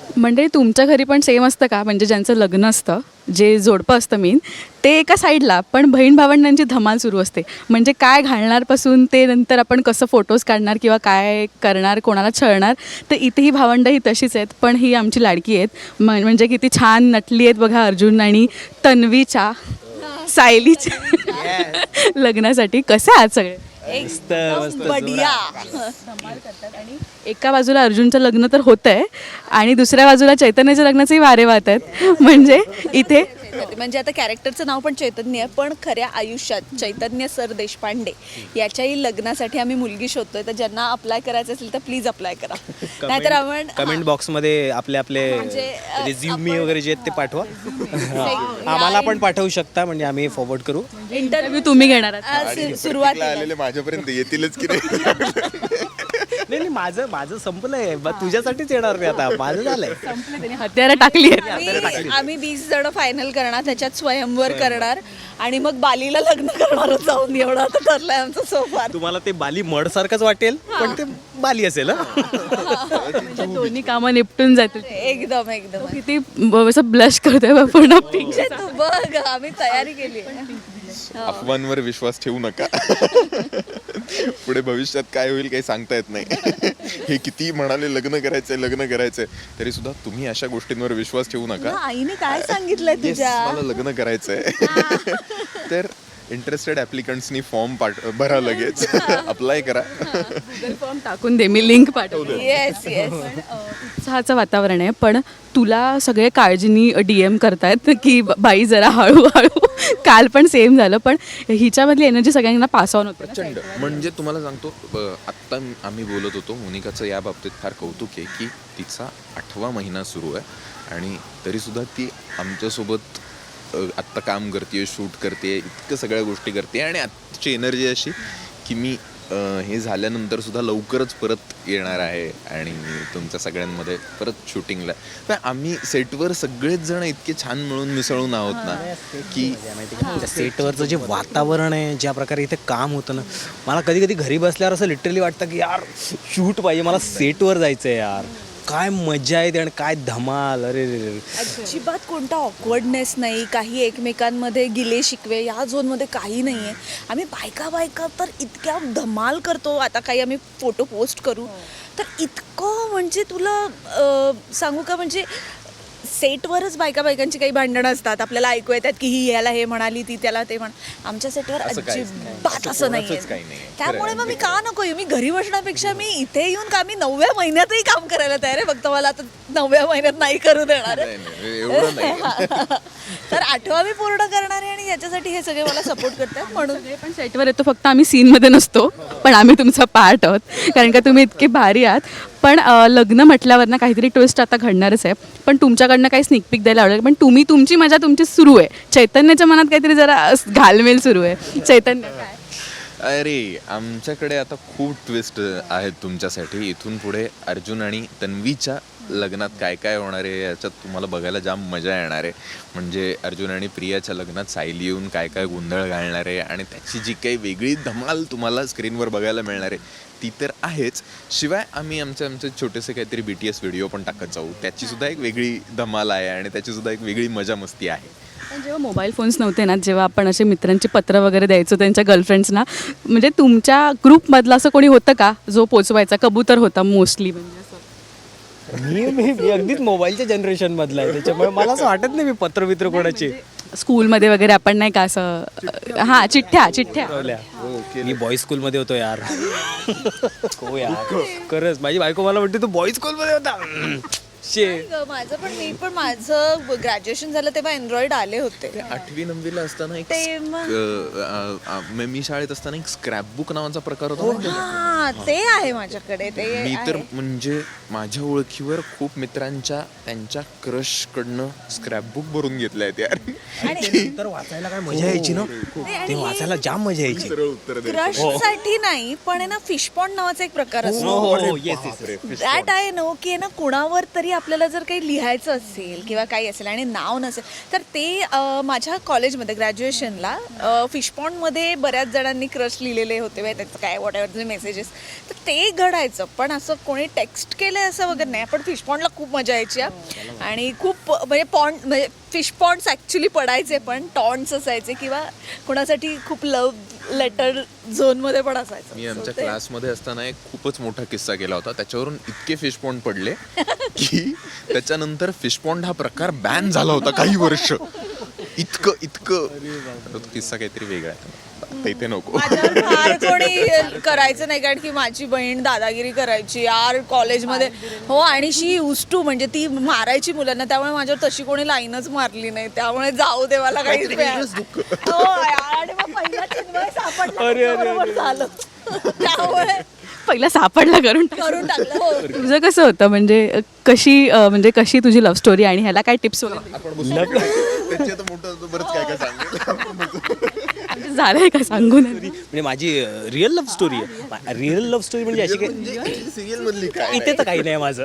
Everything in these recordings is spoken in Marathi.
म्हणजे तुमच्या घरी पण सेम असतं का? म्हणजे ज्यांचं लग्न असतं, जे जोडपं असतं मेन, ते एका साईडला, पण बहीण भावंडांची धमाल सुरू असते. म्हणजे काय घालणारपासून ते नंतर आपण कसं फोटोज काढणार किंवा काय करणार, कोणाला छळणार, तर इथे ही भावंडं ही तशीच आहेत. पण ही आमची लाडकी आहेत. म्हणजे किती छान नटली आहेत बघा अर्जुन आणि तन्वीच्या, सायलीच्या लग्नासाठी. कसे आहात सगळे? एकदम बढिया. आणि एका बाजूला अर्जुनचं लग्न तर होतं आहे आणि दुसऱ्या बाजूला चैतन्याच्या लग्नाचेही वारे वाहत आहेत. म्हणजे इथे म्हणजे आता कॅरेक्टरचं नाव पण चैतन्य आहे, पण खऱ्या आयुष्यात चैतन्य सर देशपांडे याच्याही लग्नासाठी आम्ही मुलगी शोधतोय. तर ज्यांना अप्लाय करायचं असेल तर प्लीज अप्लाय करा. नाहीतर आपण कमेंट बॉक्समध्ये आपले म्हणजे, रिझ्युमी वगैरे जे आहेत ते पाठवा. आम्हाला पण पाठवू शकता, म्हणजे आम्ही फॉरवर्ड करू. इंटरव्ह्यू तुम्ही घेणार आहात. सुरुवातीला आलेले माझ्यापर्यंत येतीलच की नाही. नाही माझं संपलंय, तुझ्यासाठीच येणार मी आता. माझं झालंय. त्यांनी हत्यारं टाकली आहेत. आम्ही 20 जण फायनल करणार, त्याच्यात स्वयंवर करणार आणि मग बालीला लग्न करणार जाऊन. एवढं आता ठरलंय आमचं सोफार. तुम्हाला ते बाली मड सारखंच वाटेल, पण ते बाली असेल. म्हणजे दोन्ही कामं निपटून जातील. एकदम एकदम. किती असं ब्लश करतोय पूर्ण पिंक. तू बघ, आम्ही तयारी केली. अफवांवर विश्वास ठेवू नका. पुढे भविष्यात काय होईल काही सांगता येत नाही. हे किती म्हणाले लग्न करायचंय तरी सुद्धा तुम्ही अशा गोष्टींवर विश्वास ठेवू नका. आईने काय सांगितलंय Yes, तुझ्या? मला लग्न करायचंय. तर इंटरेस्टेड ॲप्लिकंट्सनी फॉर्म भरा, लगेच अप्लाय करा. फॉर्म टाकून दे, मी लिंक पाठवतो. Yes yes. उत्साहाचं वातावरण आहे, पण तुला सगळे काळजीनी DM करतायत की बाई जरा हळूहळू. काल पण सेम झालं, पण हिच्यामधली एनर्जी सगळ्यांना पास ऑन होते. प्रचंड. म्हणजे तुम्हाला सांगतो, आत्ता आम्ही बोलत होतो, मोनिकाचं या बाबतीत फार कौतुक आहे की तिचा 8वा महिना सुरू आहे आणि तरीसुद्धा ती आमच्यासोबत आत्ता काम करते, शूट करते, इतकं सगळ्या गोष्टी करते आणि आत्ताची एनर्जी अशी की मी हे झाल्यानंतर सुद्धा लवकरच परत येणार आहे आणि तुमच्या सगळ्यांमध्ये परत शूटिंगला. तर आम्ही सेटवर सगळेच जण इतके छान मिळून मिसळून आहोत ना की सेटवरचं जे वातावरण आहे, ज्या प्रकारे इथे काम होतं ना, मला कधी कधी घरी बसल्यावर असं लिटरली वाटतं की यार शूट पाहिजे, मला सेटवर जायचं आहे यार. काय मजा येते आणि काय धमाल. अरे अजिबात कोणता ऑकवर्डनेस नाही, काही एकमेकांमध्ये गिले शिकवे या झोनमध्ये काही नाही आहे. आम्ही बायका तर इतक्या धमाल करतो. आता काही आम्ही फोटो पोस्ट करू तर इतकं, म्हणजे तुला सांगू का, म्हणजे सेटवरच बायकांची काही भांडणं असतात, आपल्याला ऐकू येतात की ही याला हे म्हणाली, ती त्याला ते आमच्या सेटवर अजिबात असं नाही. त्यामुळे मग मी का नको येऊ? मी घरी बसण्यापेक्षा मी इथे येऊन का, मी 9व्या महिन्यातही काम करायला तयार आहे. फक्त मला आता 9व्या महिन्यात नाही करू देणार एवढं नाही. तर 8वा मी पूर्ण करणार आहे आणि याच्यासाठी हे सगळे मला सपोर्ट करतात. म्हणून पण सेटवर येतो, फक्त आम्ही सीनमध्ये नसतो, पण आम्ही तुमचा पार्ट आहोत, कारण का तुम्ही इतके भारी आहात. पण लग्न म्हटल्यावर ना काहीतरी ट्विस्ट आता घडणारच आहे. पण तुमच्याकडनं काही स्निक पिक द्यायला आवडेल, पण तुमची मजा तुमची सुरू आहे. चैतन्याच्या मनात काहीतरी जरा घालमेल सुरू आहे. चैतन्य काय? अरे आमच्याकडे आता खूप ट्विस्ट आहेत तुमच्यासाठी. इथून पुढे अर्जुन आणि तन्वीच्या लग्नात काय काय होणार आहे याच्यात तुम्हाला बघायला जाम मजा येणार आहे. म्हणजे अर्जुन आणि प्रियाच्या लग्नात सायली येऊन काय काय गोंधळ घालणार आहे आणि त्याची जी काही वेगळी धमाल तुम्हाला स्क्रीनवर बघायला मिळणार आहे ती तर आहेच. शिवाय आम्ही आमचे छोटेसे काहीतरी BTS व्हिडिओ पण टाकत जाऊ, त्याचीसुद्धा एक वेगळी धमाल आहे आणि त्याचीसुद्धा एक वेगळी मजा मस्ती आहे. पण जेव्हा मोबाईल फोन्स नव्हते ना, जेव्हा आपण असे मित्रांची पत्र वगैरे द्यायचो त्यांच्या गर्लफ्रेंड्सना, म्हणजे तुमच्या ग्रुपमधलं असं कोणी होतं का जो पोचवायचा? कबूतर होता मोस्टली. म्हणजे असं मी अगदीच मोबाईलच्या जनरेशन मधला आहे, त्याच्यामुळे मला असं वाटत नाही मी पत्र कोणाची. स्कूलमध्ये वगैरे आपण नाही का असं, हां, चिठ्ठ्या. मी बॉईज स्कूलमध्ये होतो यार. हो यार, खरंच माझी बायको मला म्हणते तू बॉईज स्कूलमध्ये होता. मी पण माझं ग्रॅज्युएशन झालं तेव्हा अँड्रॉइड आले होते. 8वी 9वीला असताना मी शाळेत असताना एक स्क्रॅपबुक नावाचा प्रकार होता. हा, ते आहे माझ्याकडे. ते मी तर म्हणजे माझ्या ओळखीवर खूप मित्रांच्या त्यांच्या क्रश कडनं स्क्रॅपबुक भरून घेतले आहेत यार. तर वाचायला काय मजा यायची ना, ते वाचायला जाम मजा यायची. क्रश साठी नाही, पण आहे ना फिश पॉन्ड नावाचा एक प्रकार असतो. दॅट आहे ना की ना कुणावर तरी आपल्याला जर काही लिहायचं असेल किंवा काही असेल आणि नाव नसेल तर ते माझ्या कॉलेजमध्ये ग्रॅज्युएशनला फिशपॉन्डमध्ये बऱ्याच जणांनी क्रश लिहिलेले होते बाई त्याचं काय वॉट एव्हर मेसेजेस तर ते घडायचं. पण असं कोणी टेक्स्ट केलं असं वगैरे नाही. पण फिशपॉन्डला खूप मजा यायची आणि खूप म्हणजे फिशपॉन्ड्स ॲक्च्युली पडायचे पण टॉन्ट्स असायचे किंवा कोणासाठी खूप लव लेटर झोनमध्ये पण असायचं. मी आमच्या क्लासमध्ये असताना एक खूपच मोठा किस्सा केला होता. त्याच्यावरून इतके फिशपॉन्ड पडले की त्याच्यानंतर फिशपॉन्ड हा प्रकार बॅन झाला होता काही वर्ष. इतकं तो किस्सा काहीतरी वेगळा आहे आता इथे नको. माझ्यावर फार कोणी करायचं नाही कारण की माझी बहीण दादागिरी करायची यार कॉलेजमध्ये. हो आणि शी यूज टू म्हणजे ती मारायची मुलांना त्यामुळे माझ्यावर तशी कोणी लाईनच मारली नाही. त्यामुळे जाऊ दे मला काहीच हो आणि मग पहिला चिन्मय सापडला बरोबर झालं त्यामुळे पहिला सापडला करून टाकलं. हो तुझं कसं होतं म्हणजे कशी तुझी लव्ह स्टोरी आणि ह्याला काय टिप्स वगैरे बरंच काय म्हणजे झालंय का सांगू नये. म्हणजे माझी रिअल लव्ह स्टोरी आहे. रिअल लव्ह स्टोरी म्हणजे अशी काही सिरियल मधली काय इथे तर काही नाही माझं.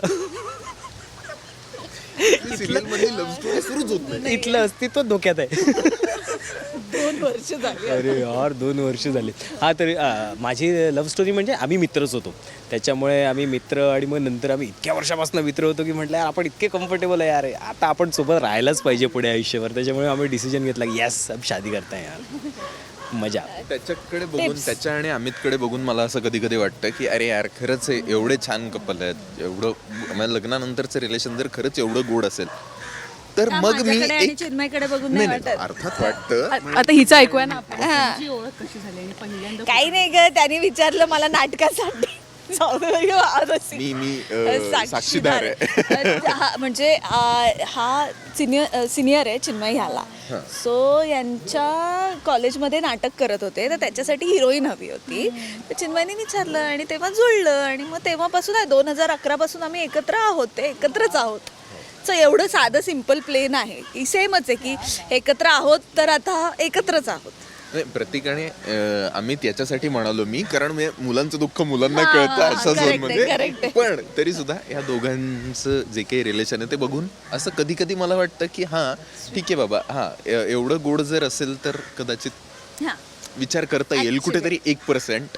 सिरियल मधली लव्ह स्टोरी सुरूच होत नाही. इथलं अस्तित्व धोक्यात आहे. 2 वर्ष झाली. अरे यार 2 वर्ष झाली. हा तरी माझी लव्ह स्टोरी म्हणजे आम्ही मित्रच होतो. त्याच्यामुळे आम्ही मित्र आणि मग नंतर आम्ही इतक्या वर्षापासून मित्र होतो की म्हटलं यार आपण इतके कम्फर्टेबल आहे यार आता आपण सोबत राहायलाच पाहिजे पुढे आयुष्यभर. त्याच्यामुळे आम्ही डिसिजन घेतला की यस अब शादी करता है यार. मजा. त्याच्याकडे बघून त्याच्या आणि अमितकडे बघून मला असं कधी कधी वाटतं की अरे यार खरंच हे एवढे छान कपल आहेत. एवढं म्हणजे लग्नानंतरचं रिलेशन जर खरंच एवढं गोड असेल तर मग मी एक चिन्मयकडे बघून नाही वाटत. अर्थात वाटतं. आता हिचं ऐकूया ना आपण. हा. ओळख कशी झाली आणि पहिल्यांदा काही नाही ग त्यांनी विचारलं मला नाटकासाठी जाऊ दे बाई, आजच. मी साक्षीदार आहे. म्हणजे हा सिनियर आहे चिन्मय ह्याला. सो यांच्या कॉलेजमध्ये नाटक करत होते तर त्याच्यासाठी हिरोईन हवी होती. तर चिन्मयने विचारलं आणि तेव्हा जुळलं आणि मग तेव्हापासून 2011 पासून आम्ही एकत्र आहोत. ते एकत्रच आहोत. सो एवढं साधं सिम्पल प्लेन आहे की सेमच आहे की एकत्र आहोत तर आता एकत्रच आहोत. प्रतीक आणि अमित याच्यासाठी म्हणालो मी कारण मुलांचं दुःख मुलांना कळतं अशा झोन मध्ये. पण तरी सुद्धा या दोघांचं जे काही रिलेशन आहे ते बघून असं कधी कधी मला वाटतं की हा ठीक आहे बाबा हा एवढं गोड जर असेल तर कदाचित विचार करता येईल कुठेतरी 1%.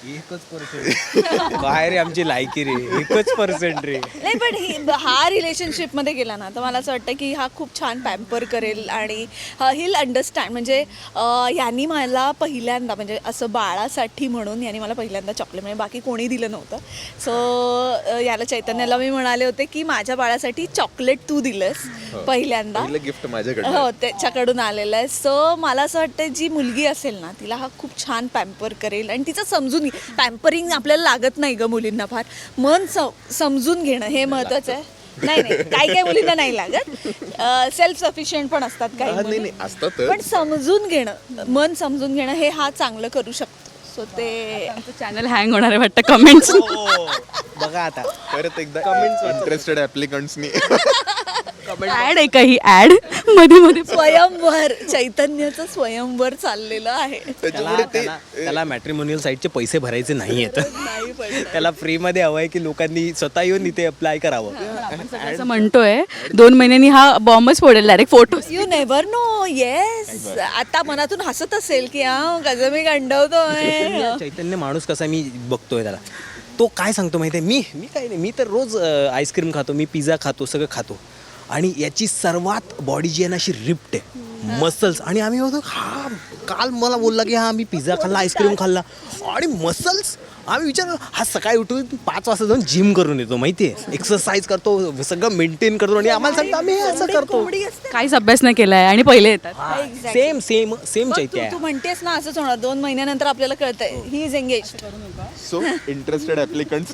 1% काय रे आमची लायकी रे 1% रे. नाही पण हा रिलेशनशिपमध्ये गेला ना तर मला असं वाटतं की हा खूप छान पॅम्पर करेल आणि हिल अंडरस्टँड. म्हणजे यांनी मला पहिल्यांदा म्हणजे असं बाळासाठी म्हणून यांनी मला पहिल्यांदा चॉकलेट म्हणजे बाकी कोणी दिलं नव्हतं. सो याला चैतन्याला मी म्हणाले होते की माझ्या बाळासाठी चॉकलेट तू दिलंस पहिल्यांदा. गिफ्ट माझ्याकडे हो त्याच्याकडून आलेलं आहे. सो मला असं वाटतं जी मुलगी असेल ना तिला हा खूप छान पॅम्पर करेल आणि तिचं समजून पॅम्परिंग आपल्याला लागत नाही ग मुलींना फार. मन समजून घेणं हे महत्वाचं आहे. नाही काही मुलींना नाही लागत. सेल्फ सफिशियंट पण असतात काही असतात पण समजून घेणं मन समजून घेणं हे हा चांगलं करू शकतो. सो ते चॅनल हँग होणार आहे वाटतं कमेंट्स. बघा आता परत एकदा कमेंट्स इंटरेस्टेड ऍप्लिकंट्सनी ऍड आहे काही ऍड मध्ये स्वयंवर चैतन्याचं स्वयंवर चाललेलं आहे. त्याला मॅट्रिमोनियल साईटचे पैसे भरायचे नाही आहेत. त्याला फ्रीमध्ये हवं आहे की लोकांनी स्वतः येऊन इथे अप्लाय करावं. असं म्हणतोय 2 महिन्यांनी हा बॉम्बच फोडेल direct photo. You never know. Yes आता मनातून हसत असेल की कसं मी गंडवतोय. चैतन्य माणूस कसा मी बघतोय त्याला तो काय सांगतो माहिती आहे मी काही नाही मी तर रोज आईस्क्रीम खातो मी पिझ्झा खातो सगळं खातो आणि याची सर्वात बॉडी जी आहे ना अशी रिप्ट आहे मसल्स. आणि आम्ही बघतो हा काल मला बोलला की हा मी पिझ्झा खाल्ला आईस्क्रीम खाल्ला आणि मसल्स. आम्ही विचार हा सकाळी उठून 5 वाजता जाऊन जिम करून येतो माहिती आहे एक्सरसाइज करतो सगळं मेंटेन करतो आणि आम्हाला सांगतो आम्ही असं करतो. काहीच अभ्यास नाही केलाय आणि पहिले येतात. सेम चैत्य. तू म्हणतेस ना असंच होणार 2 महिन्यानंतर आपल्याला कळतंय he is engage. So interested applicants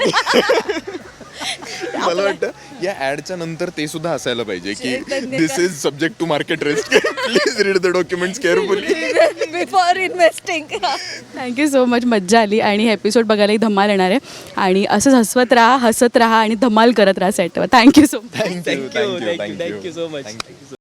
मला वाटतं या ऍडच्या नंतर ते सुद्धा असायला पाहिजे की this is subject to market risk please read the documents carefully before investing. Thank you so much. मज्जा आली आणि हे एपिसोड बघायलाही धमाल येणार आहे आणि असंच हसत राहा आणि धमाल करत राहा सेटवर. Thank you so much. Thank you so much.